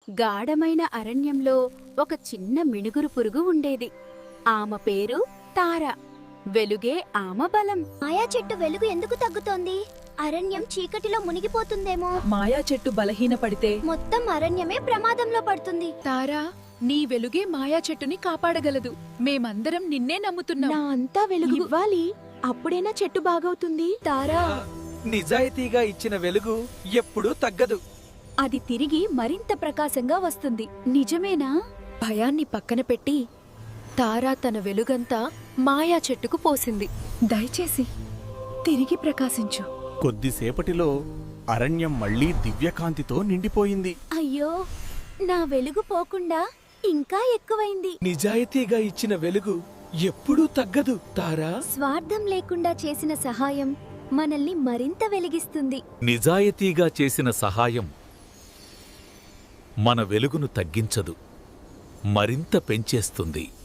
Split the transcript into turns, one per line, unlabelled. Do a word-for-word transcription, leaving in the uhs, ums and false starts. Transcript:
గాఢమైన అరణ్యంలో ఒక చిన్న మిణుగురు పురుగు ఉండేది. ఆమె పేరు తార. వెలుగే ఆమె బలం.
మాయా చెట్టు వెలుగు ఎందుకు తగ్గుతోంది? అరణ్యం చీకటిలో మునిగిపోతుందేమో.
మాయా చెట్టు బలహీనపడితే
మొత్తం అరణ్యమే ప్రమాదంలో పడుతుంది.
తారా, నీ వెలుగే మాయా చెట్టుని కాపాడగలదు. మేమందరం నిన్నే నమ్ముతున్నాం.
నా అంతా వెలుగు ఇవ్వాలి, అప్పుడేనా చెట్టు బాగవుతుంది.
తారా,
నిజాయితీగా ఇచ్చిన వెలుగు ఎప్పుడూ తగ్గదు.
అది తిరిగి మరింత ప్రకాశంగా వస్తుంది. నిజమేనా?
భయాన్ని పక్కన పెట్టి తారా తన వెలుగంతా మాయా చెట్టుకు పోసింది. దయచేసి తిరిగి ప్రకాశించు.
కొద్దిసేపటిలో అరణ్యం మళ్లీ దివ్యకాంతితో నిండిపోయింది.
అయ్యో, నా వెలుగు పోకుండా ఇంకా ఎక్కువైంది.
నిజాయితీగా ఇచ్చిన వెలుగు ఎప్పుడూ తగ్గదు తారా.
స్వార్థం లేకుండా చేసిన సహాయం మనల్ని మరింత వెలిగిస్తుంది.
నిజాయితీగా చేసిన సహాయం మన వెలుగును తగ్గించదు, మరింత పెంచేస్తుంది.